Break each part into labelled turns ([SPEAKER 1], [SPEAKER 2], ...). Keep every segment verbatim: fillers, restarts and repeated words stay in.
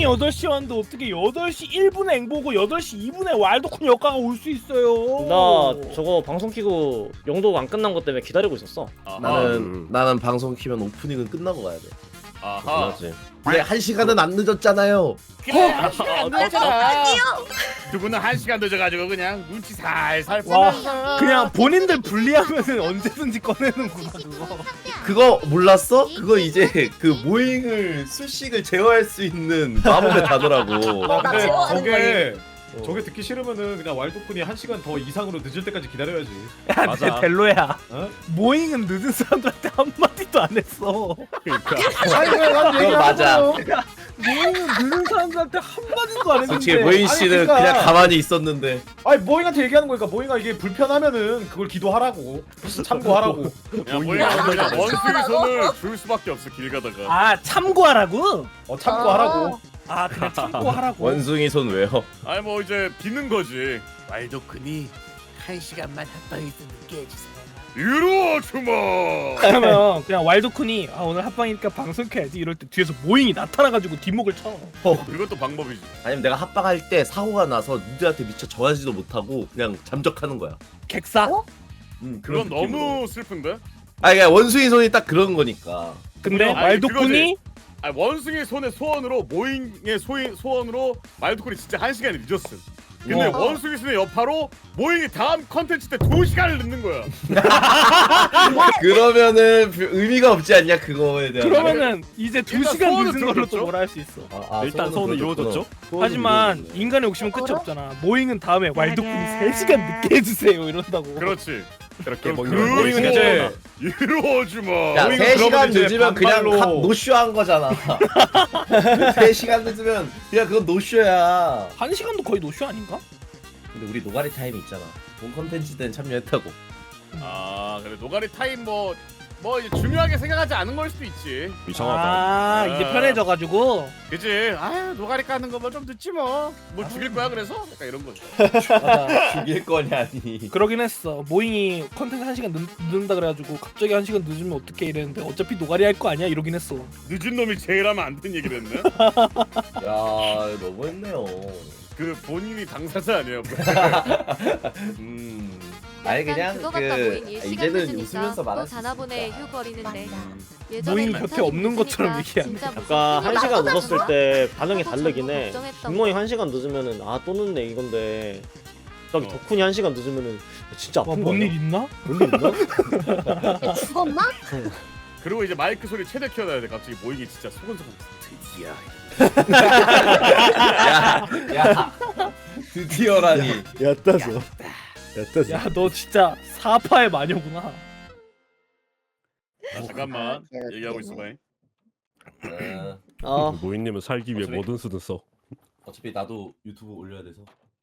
[SPEAKER 1] 여덟 시에 왔는데 어떻게 여덟 시 일 분에 앵보고 여덟 시 이 분에 왈도쿤 역가가 올 수 있어요.
[SPEAKER 2] 나 저거 방송 키고 영도 안 끝난 것 때문에 기다리고 있었어.
[SPEAKER 3] 아하.
[SPEAKER 4] 나는
[SPEAKER 5] 음.
[SPEAKER 4] 나는 방송 키면 오프닝은 끝나고 가야 돼.
[SPEAKER 3] 아하.
[SPEAKER 5] 그렇지.
[SPEAKER 4] 근데 한 시간은 안 늦었잖아요.
[SPEAKER 3] 그래.
[SPEAKER 1] 아,
[SPEAKER 3] 안 늦었잖아. 두 분은 한 시간 늦어가지고 그냥 눈치 살살
[SPEAKER 1] 와,
[SPEAKER 3] 보면서.
[SPEAKER 1] 그냥 본인들 불리하면은 언제든지 꺼내는구나 그거.
[SPEAKER 4] 그거 몰랐어? 그거 이제 그 모잉을 수식을 제어할 수 있는 마법의 단어라고.
[SPEAKER 6] 아, 근데
[SPEAKER 7] 나
[SPEAKER 6] 저게 저게 듣기 싫으면은 그냥 왈도쿤이 한 시간 더 이상으로 늦을 때까지 기다려야지.
[SPEAKER 1] 야,
[SPEAKER 5] 맞아.
[SPEAKER 1] 내 델로야.
[SPEAKER 6] 어?
[SPEAKER 1] 모잉은 늦은 사람들한테 한 마디도 안 했어.
[SPEAKER 6] 아니 왜난
[SPEAKER 4] 그건 맞아.
[SPEAKER 1] 모잉은 늦은 사람들한테 한 마디도 안 했는데.
[SPEAKER 4] 솔직히 모잉
[SPEAKER 6] 아니,
[SPEAKER 4] 씨는
[SPEAKER 6] 그러니까.
[SPEAKER 4] 그냥 가만히 있었는데.
[SPEAKER 6] 아니 모잉한테 얘기하는 거니까 모잉아 이게 불편하면은 그걸 기도하라고 참고하라고.
[SPEAKER 3] 야, 뭐야, 그냥 원숭이 손을 줄 수밖에 없어 길 가다가.
[SPEAKER 1] 아 참고하라고?
[SPEAKER 6] 어 참고하라고.
[SPEAKER 1] 아 그냥 참고하라고.
[SPEAKER 4] 원숭이 손 왜요?
[SPEAKER 3] 아니 뭐 이제 비는 거지.
[SPEAKER 7] 왈도쿤이 한 시간만 합방에서 늦게 해주세요.
[SPEAKER 3] 이루어 주마.
[SPEAKER 1] 그러면 그냥 왈도쿤이 아 오늘 합방이니까 방송 켜야지 이럴 때 뒤에서 모잉이 나타나가지고 뒷목을 쳐.
[SPEAKER 3] 그것도 방법이지.
[SPEAKER 4] 아니면 내가 합방할 때 사고가 나서 니들한테 미처 전하지도 못하고 그냥 잠적하는 거야.
[SPEAKER 1] 객사?
[SPEAKER 4] 음,
[SPEAKER 3] 그건
[SPEAKER 4] 느낌으로.
[SPEAKER 3] 너무 슬픈데?
[SPEAKER 4] 아 그러니까 원숭이 손이 딱 그런 거니까.
[SPEAKER 1] 근데
[SPEAKER 3] 아니,
[SPEAKER 1] 왈도쿤이
[SPEAKER 3] 아 원숭이 손의 소원으로 모잉의 소인 소원으로 말도콜이 진짜 한 시간이 늦었음. 근데
[SPEAKER 1] 와.
[SPEAKER 3] 원숭이 손의 여파로 모잉이 다음 컨텐츠 때 두 시간을 늦는 거야.
[SPEAKER 4] 그러면은 별- 의미가 없지 않냐 그거에 대한.
[SPEAKER 1] 그러면은 이제 두
[SPEAKER 3] 일단
[SPEAKER 1] 시간
[SPEAKER 3] 소원은
[SPEAKER 1] 늦은 걸로 또
[SPEAKER 3] 들어줬죠?
[SPEAKER 1] 뭐라 할 수 있어.
[SPEAKER 4] 아, 아,
[SPEAKER 5] 일단 소원은
[SPEAKER 4] 들어줬구나.
[SPEAKER 5] 이루어졌죠?
[SPEAKER 4] 소원은
[SPEAKER 1] 하지만
[SPEAKER 4] 이루어졌네.
[SPEAKER 1] 인간의 욕심은 끝이 없잖아. 모잉은 다음에 왈도쿤이 세 시간 늦게 해주세요 이런다고.
[SPEAKER 3] 그렇지.
[SPEAKER 5] 그렇게
[SPEAKER 3] 그
[SPEAKER 5] 먹는
[SPEAKER 6] 모잉은 이제
[SPEAKER 3] 이루어주마.
[SPEAKER 4] 야,
[SPEAKER 6] 모잉은
[SPEAKER 4] 세 시간
[SPEAKER 6] 그러면 이제
[SPEAKER 4] 늦으면 그냥
[SPEAKER 6] 반발로-
[SPEAKER 4] 각 노쇼한 거잖아. 세 시간 늦으면 그냥 그건 노쇼야.
[SPEAKER 1] 한 시간도 거의 노쇼 아닌가?
[SPEAKER 4] 근데 우리 노가리 타임이 있잖아. 본 컨텐츠 때는 참여했다고.
[SPEAKER 3] 아 그래 노가리 타임 뭐 뭐 이제 중요하게 생각하지 않은 걸 수도 있지.
[SPEAKER 5] 이상하다.
[SPEAKER 1] 아 이제
[SPEAKER 3] 아.
[SPEAKER 1] 편해져가지고.
[SPEAKER 3] 그치? 아유 노가리 까는 거 뭐 좀 늦지 뭐. 뭐 죽일 거야 그래서? 약간 이런 거지.
[SPEAKER 1] 맞아.
[SPEAKER 4] 죽일 거냐니.
[SPEAKER 1] 그러긴 했어. 모잉이 컨텐츠 한 시간 늦, 늦는다 그래가지고 갑자기 한 시간 늦으면 어떻게 이랬는데 어차피 노가리 할 거 아니야 이러긴 했어.
[SPEAKER 3] 늦은 놈이 제일 하면 안 되는 얘기를 했네.
[SPEAKER 4] 야, 너무했네요.
[SPEAKER 3] 그 본인이 당사자 아니에요?
[SPEAKER 4] 음. 아니 그냥
[SPEAKER 8] 그거
[SPEAKER 4] 그
[SPEAKER 8] 같다 모임 일시간
[SPEAKER 4] 이제는
[SPEAKER 8] 늦으니까
[SPEAKER 4] 웃으면서
[SPEAKER 8] 또
[SPEAKER 4] 말할 수
[SPEAKER 8] 자나보네
[SPEAKER 4] 있으니까.
[SPEAKER 8] 휴거리는데
[SPEAKER 1] 모임이 곁에 없는 것처럼 얘기하네.
[SPEAKER 2] 아까 한 시간 늦었을 때 반응이 다르긴 해.
[SPEAKER 8] 걱정했던
[SPEAKER 2] 빅모잉 한 시간 늦으면은 아 또 늦네 이건데 저기
[SPEAKER 3] 어.
[SPEAKER 2] 덕훈이 한 시간 늦으면은 진짜 아픈 거야.
[SPEAKER 1] 와뭔일 있나?
[SPEAKER 2] 뭔일 있나?
[SPEAKER 7] 죽었나?
[SPEAKER 3] 그리고 이제 마이크 소리 최대 키워놔야 돼. 갑자기 모잉이 진짜 소곤소곤. 드디어.
[SPEAKER 4] 야, 야. 드디어라니.
[SPEAKER 5] 얕다서. 얕다서.
[SPEAKER 1] 야 너 진짜 사파의 마녀구나.
[SPEAKER 3] 아, 잠깐만 얘기하고 있어봐.
[SPEAKER 4] 어,
[SPEAKER 1] 아
[SPEAKER 5] 모인님은 살기 위해
[SPEAKER 4] 어차피-
[SPEAKER 5] 뭐든 쓰든 써.
[SPEAKER 4] 어차피 나도 유튜브 올려야 돼서.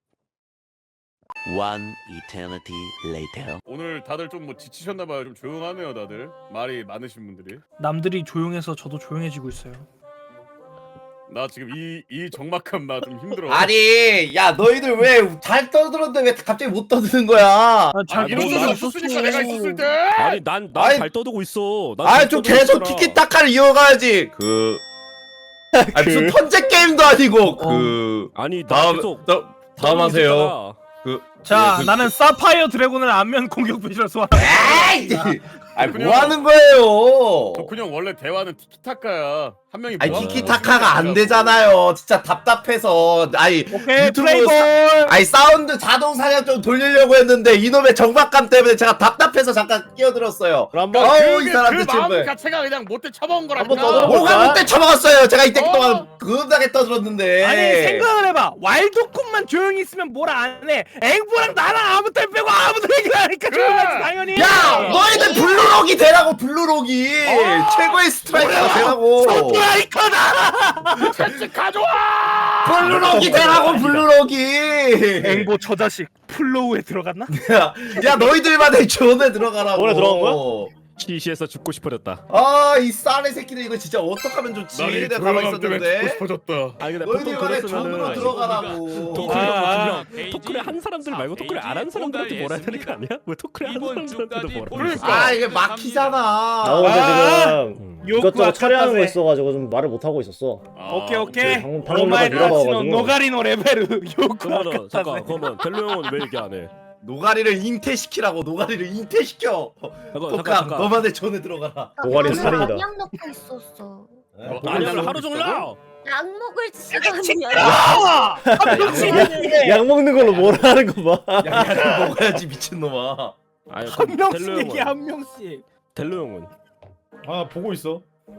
[SPEAKER 7] One eternity later.
[SPEAKER 3] 오늘 다들 좀 뭐 지치셨나봐요. 좀 조용하네요 다들. 말이 많으신 분들이.
[SPEAKER 1] 남들이 조용해서 저도 조용해지고 있어요.
[SPEAKER 3] 나 지금 이 이 적막함 나 좀 힘들어.
[SPEAKER 4] 아니, 야 너희들 왜 잘 떠들었는데 왜 갑자기 못 떠드는 거야?
[SPEAKER 1] 아,
[SPEAKER 3] 아,
[SPEAKER 1] 잘
[SPEAKER 3] 이런
[SPEAKER 1] 이런
[SPEAKER 3] 거
[SPEAKER 1] 거
[SPEAKER 3] 없었으니까 내가 있었을 때.
[SPEAKER 5] 아니 난 난
[SPEAKER 4] 아니,
[SPEAKER 5] 잘 떠들고 있어. 난
[SPEAKER 4] 아,
[SPEAKER 5] 잘
[SPEAKER 4] 좀
[SPEAKER 5] 떠들고
[SPEAKER 4] 계속
[SPEAKER 5] 있잖아.
[SPEAKER 4] 티키타카를 이어가야지. 그, 아 무슨 턴제 게임도 아니고 그
[SPEAKER 5] 아니 나
[SPEAKER 4] 다음
[SPEAKER 5] 계속
[SPEAKER 4] 다, 다음
[SPEAKER 5] 떠들고
[SPEAKER 4] 하세요.
[SPEAKER 5] 있었잖아.
[SPEAKER 4] 그,
[SPEAKER 1] 자
[SPEAKER 4] 예, 그-
[SPEAKER 1] 나는 사파이어 드래곤을 안면 공격 배치를 소환한다.
[SPEAKER 4] 에이, 아니 뭐 하는 거예요?
[SPEAKER 3] 덕훈 형 원래 대화는 티키타카야. 한 명이
[SPEAKER 4] 아니
[SPEAKER 3] 뭐 하는
[SPEAKER 4] 티키타카가
[SPEAKER 3] 거야?
[SPEAKER 4] 안 되잖아요. 진짜 답답해서. 아니
[SPEAKER 1] 오케이
[SPEAKER 4] 유튜브
[SPEAKER 1] 플레이볼.
[SPEAKER 4] 아니 사운드 자동 사냥 좀 돌리려고 했는데 이놈의 정박감 때문에 제가 답답해서 잠깐 끼어들었어요.
[SPEAKER 2] 그럼 한번
[SPEAKER 4] 어우, 이
[SPEAKER 3] 그게
[SPEAKER 4] 사람들
[SPEAKER 3] 그 마음
[SPEAKER 4] 지금
[SPEAKER 3] 자체가 그냥 못돼 쳐먹은
[SPEAKER 2] 한번
[SPEAKER 3] 거라니까.
[SPEAKER 2] 떠들어볼까?
[SPEAKER 4] 뭐가 못돼 처먹었어요. 제가 이때
[SPEAKER 3] 어.
[SPEAKER 4] 동안 그음하게 떠들었는데.
[SPEAKER 1] 아니 생각을 해봐. 와일드쿤만 조용히 있으면 뭘 안 해. 앵보랑 나랑 아무 때 빼고 아무도 얘기를 하니까
[SPEAKER 3] 그래.
[SPEAKER 1] 조용하지 당연히.
[SPEAKER 4] 야 너희들 블루록이 되라고 블루록이 최고의 스트라이커가 되라고.
[SPEAKER 1] 스트라이커다.
[SPEAKER 3] 같이 가져와.
[SPEAKER 4] 블루록이 되라고 블루록이.
[SPEAKER 1] 앵보 저 자식 플로우에 들어갔나?
[SPEAKER 4] 야, 야 너희들만의 존에 들어가라고.
[SPEAKER 2] 존에 들어간 거야?
[SPEAKER 5] 시시해서 죽고 싶어졌다.
[SPEAKER 4] 아이 쌀의 새끼들 이거 진짜 어떡하면 좋지.
[SPEAKER 3] 나는 이
[SPEAKER 4] 내가 가만히
[SPEAKER 3] 조용함 때문에 죽고
[SPEAKER 4] 있었는데.
[SPEAKER 3] 싶어졌다.
[SPEAKER 5] 아니 근데 보통
[SPEAKER 4] 너희들만의 존으로
[SPEAKER 5] 그랬으면은
[SPEAKER 4] 들어가라고.
[SPEAKER 5] 토크를
[SPEAKER 1] 아,
[SPEAKER 5] 토크를 한 사람들 말고 토크를 안 한 사람들한테 뭐라 해야 되는 거 아니야? 왜 토크를 한 사람들한테도 뭐라?
[SPEAKER 3] 그러니까.
[SPEAKER 4] 아 이게 막히잖아.
[SPEAKER 2] 나 근데
[SPEAKER 1] 아!
[SPEAKER 2] 지금
[SPEAKER 5] 음.
[SPEAKER 2] 이것저것 처리하는 거 있어가지고 좀 말을 못 하고 있었어.
[SPEAKER 3] 아,
[SPEAKER 1] 오케이 오케이.
[SPEAKER 2] 방금 방금
[SPEAKER 1] 오마이
[SPEAKER 2] 내가
[SPEAKER 1] 다치노
[SPEAKER 2] 밀어봐가지고.
[SPEAKER 1] 노가리노 레벨을 요구
[SPEAKER 5] 그러면 잠깐 그러면 델로 형은 왜 얘기 안 해?
[SPEAKER 4] 노가리를 잉태시키라고 노가리를 잉태시켜.
[SPEAKER 5] 잠깐
[SPEAKER 4] 독감
[SPEAKER 5] 잠깐 잠깐.
[SPEAKER 4] 너만의 존에 들어가라.
[SPEAKER 2] 노가리 살인이다.
[SPEAKER 8] 양양 넣고 있었어.
[SPEAKER 3] 어,
[SPEAKER 5] 아니야 하루 종일 나.
[SPEAKER 8] 약 먹을 시간이야.
[SPEAKER 1] 야!
[SPEAKER 2] 약 먹는 걸로 뭘 하는 거 봐.
[SPEAKER 4] 야야를 먹어야지 미친놈아.
[SPEAKER 5] 아니
[SPEAKER 1] 한
[SPEAKER 5] 그럼 델로
[SPEAKER 1] 명씩 얘기
[SPEAKER 5] 형은
[SPEAKER 1] 한 명씩.
[SPEAKER 5] 델로 형은
[SPEAKER 6] 아 보고 있어.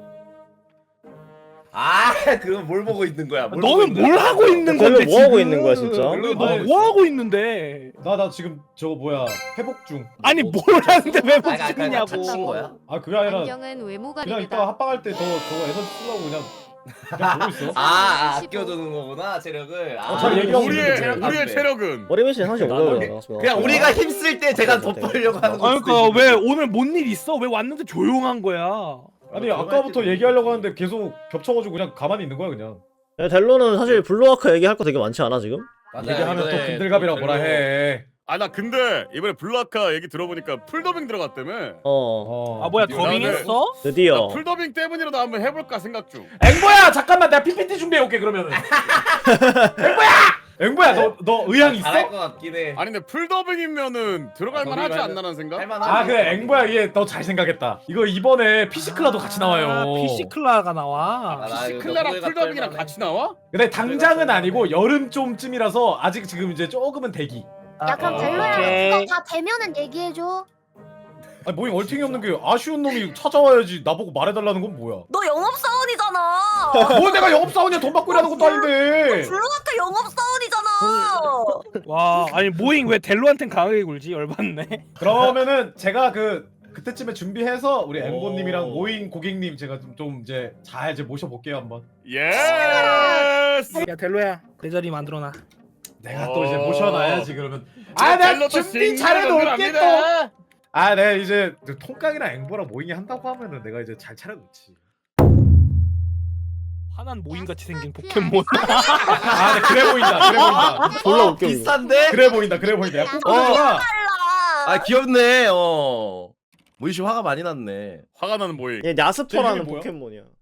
[SPEAKER 4] 아 그럼 뭘 보고 있는 거야? 뭘 보고
[SPEAKER 1] 너는
[SPEAKER 4] 있는
[SPEAKER 1] 뭘
[SPEAKER 4] 거야?
[SPEAKER 1] 하고 있는
[SPEAKER 2] 델로
[SPEAKER 1] 건데
[SPEAKER 2] 뭐 하고
[SPEAKER 1] 지금?
[SPEAKER 2] 있는 거야 진짜?
[SPEAKER 1] 너뭐 하고 있는데?
[SPEAKER 6] 나 나 지금 저거 뭐야 회복 중.
[SPEAKER 1] 아니 뭘 하는데 왜
[SPEAKER 4] 아, 아, 아,
[SPEAKER 1] 복싱이냐고.
[SPEAKER 4] 다친 거야?
[SPEAKER 6] 아 그게 아니라
[SPEAKER 8] 안경은 외모가
[SPEAKER 6] 그냥
[SPEAKER 8] 다르다.
[SPEAKER 6] 이따 합방할 때 더 저거 에너지 쓰려고 그냥 그냥 보고 있어.
[SPEAKER 4] 아, 아 아껴두는 거구나 체력을. 아,
[SPEAKER 6] 어, 잘 얘기하고
[SPEAKER 3] 우리의
[SPEAKER 6] 있는데
[SPEAKER 4] 체력
[SPEAKER 3] 우리의
[SPEAKER 4] 안 돼.
[SPEAKER 3] 체력은
[SPEAKER 2] 머리 메시 사실
[SPEAKER 5] 나는
[SPEAKER 2] 오더라.
[SPEAKER 4] 그냥 우리가 힘쓸 때 제가 덮으려고 하는 거.
[SPEAKER 1] 그러니까 왜 오늘 뭔 일 있어? 왜 왔는데 조용한 거야?
[SPEAKER 6] 아니 아까부터 얘기하려고 하는데 계속 겹쳐가지고 그냥 가만히 있는 거야 그냥.
[SPEAKER 2] 야, 델로는 사실 블루아크 얘기할 거 되게 많지 않아 지금?
[SPEAKER 6] 얘기하면 또 근들갑이라고 뭐라 해.
[SPEAKER 3] 아 나 근데 이번에 블루아카 얘기 들어보니까 풀더빙 들어갔다며.
[SPEAKER 2] 어.
[SPEAKER 6] 어.
[SPEAKER 1] 아 뭐야
[SPEAKER 3] 나는-
[SPEAKER 1] 더빙했어?
[SPEAKER 2] 드디어.
[SPEAKER 3] 나 풀더빙 때문이라도 한번 해볼까 생각 중.
[SPEAKER 6] 앵보야 잠깐만 내가 피피티 준비해 올게 그러면은. 앵보야! 앵보야 너 너 의향 있어?
[SPEAKER 4] 잘할 것 같긴 해.
[SPEAKER 3] 아니 근데 풀더빙이면 들어갈
[SPEAKER 4] 아,
[SPEAKER 3] 만하지
[SPEAKER 4] 더빙
[SPEAKER 3] 않나라는 생각?
[SPEAKER 4] 할만하지.
[SPEAKER 6] 아 그래 앵보야 얘 너 잘 생각했다. 이거 이번에 피시클라도 같이 나와요.
[SPEAKER 1] 아, 피시클라가 나와.
[SPEAKER 4] 아, 나 이거
[SPEAKER 3] 피시클라랑
[SPEAKER 4] 너구리가
[SPEAKER 3] 풀더빙이랑
[SPEAKER 4] 뜰만해.
[SPEAKER 3] 같이 나와?
[SPEAKER 6] 근데 당장은 아니고 여름 좀쯤이라서 아직 지금 이제 조금은 대기.
[SPEAKER 8] 야 그럼
[SPEAKER 3] 아,
[SPEAKER 8] 벨로야
[SPEAKER 1] 오케이.
[SPEAKER 8] 그거 다 되면은 얘기해줘.
[SPEAKER 6] 아니 뭐이 얼탱이 없는 게 아쉬운 놈이 찾아와야지 나보고 말해달라는 건 뭐야?
[SPEAKER 8] 너 영업사원이잖아.
[SPEAKER 6] 뭐 내가 영업사원이야 돈 받고 일하는 것도 아닌데.
[SPEAKER 8] 블루아카 영업사원이잖아.
[SPEAKER 1] 와 아니 모잉 왜 델로한텐 강하게 굴지? 열받네.
[SPEAKER 6] 그러면은 제가 그 그때쯤에 준비해서 우리 앵보님이랑
[SPEAKER 4] 오.
[SPEAKER 6] 모인 고객님 제가 좀, 좀 이제 잘 이제 모셔볼게요 한번.
[SPEAKER 3] 예스.
[SPEAKER 1] 야 델로야 내 자리 만들어놔.
[SPEAKER 6] 내가 또 이제
[SPEAKER 3] 어.
[SPEAKER 6] 모셔놔야지 그러면. 아 내가 준비 잘해놓을게 또. 아 내가 이제 통깡이랑 앵보랑 모잉이 한다고 하면은 내가 이제 잘 차려놓지.
[SPEAKER 1] 화난 모잉같이 생긴 포켓몬.
[SPEAKER 6] 아 네, 그래 보인다 그래 보인다
[SPEAKER 2] 졸라
[SPEAKER 4] 어,
[SPEAKER 2] 웃겨. 이거.
[SPEAKER 4] 비싼데?
[SPEAKER 6] 그래 보인다 그래 보인다. 야
[SPEAKER 4] 어.
[SPEAKER 6] 꼬꼬잖아.
[SPEAKER 4] 아 귀엽네. 어. 모이씨 화가 많이 났네.
[SPEAKER 3] 화가 나는 모임.
[SPEAKER 2] 얘
[SPEAKER 6] 제
[SPEAKER 2] 야스퍼라는
[SPEAKER 6] 이름이 뭐야?
[SPEAKER 2] 포켓몬이야.